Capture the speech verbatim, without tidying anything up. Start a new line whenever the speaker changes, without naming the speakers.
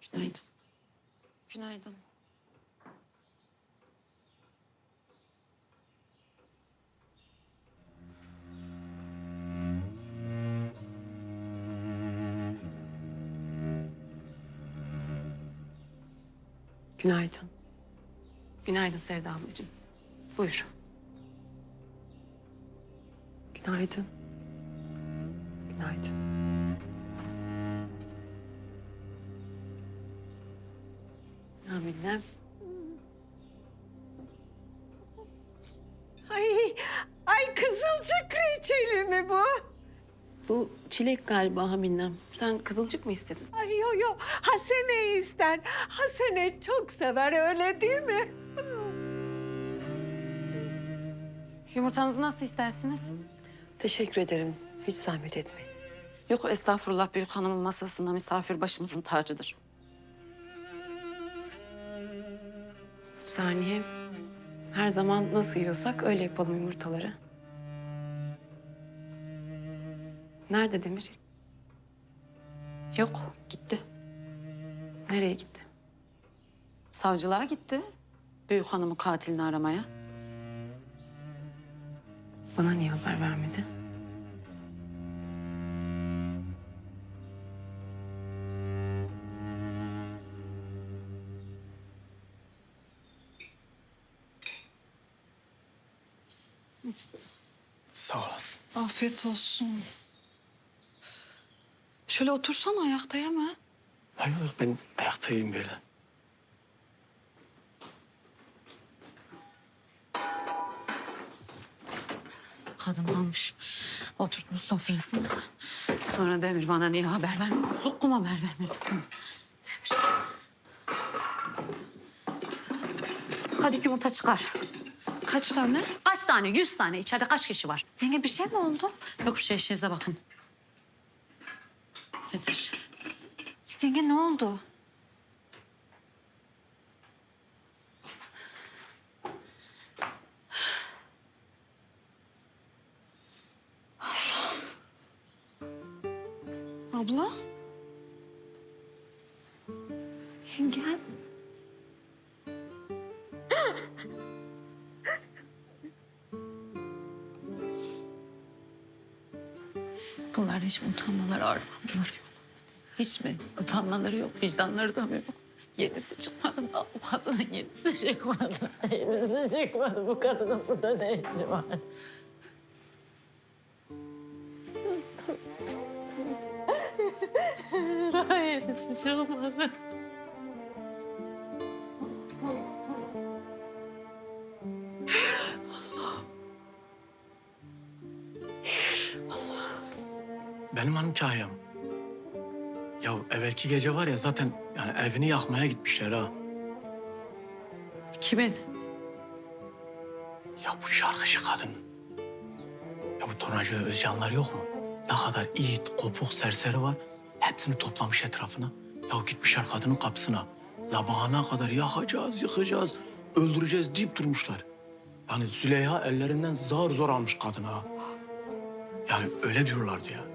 Günaydın. Günaydın.
Günaydın. Günaydın Sevda ablacığım. Buyur. Günaydın. Günaydın. Aminem.
Ay, ay kızılcık reçeli mi bu?
Bu çilek galiba Haminem. Sen kızılcık mı istedin?
Ay yo yo, Hasene ister. Hasene çok sever öyle değil mi?
Yumurtanızı nasıl istersiniz?
Teşekkür ederim. Hiç zahmet etmeyin.
Yok estağfurullah, büyük hanımın masasında misafir başımızın tacıdır.
Saniye. Her zaman nasıl yiyorsak öyle yapalım yumurtaları. Nerede Demir?
Yok, gitti.
Nereye gitti?
Savcılığa gitti. Büyük hanımın katilini aramaya.
Bana niye haber vermedi?
Sağ olasın.
Afiyet olsun. Şöyle otursana, ayakta yeme.
Hayır yok, ben ayaktayım böyle.
Kadın almış, oturtmuş sofrasına. Sonra Demir bana niye haber vermedi? Zukkum haber vermelisin. Demir. Hadi yumurta çıkar.
Kaç tane?
Kaç tane? Yüz tane. İçeride kaç kişi var?
Yenge bir şey mi oldu?
Yok bir şey, işinize bakın. Getir.
Yenge ne oldu? Abla? Yenge?
Bunlar hiç mi utanmaları, armaları yok? Hiç mi? Utanmaları yok, vicdanları da mı yok? Yenisi çıkmadı da o kadının yenisi çıkmadı. Yenisi çıkmadı. Bu kadının burada ne işi var? Daha yenisi çıkmadı.
Benim hanım Kahyam. Ya evvelki gece var ya zaten yani evini yakmaya gitmişler ha.
Kimin?
Ya bu şarkıcı kadın. Ya bu Tonacı Özcanlar yok mu? Ne kadar it, kopuk, serseri var. Hepsini toplamış etrafına. Ya gitmişler kadının kapısına. Sabahına kadar yakacağız, yıkacağız, öldüreceğiz deyip durmuşlar. Yani Züleyha ellerinden zar zor almış kadını ha. Yani öyle diyorlardı ya.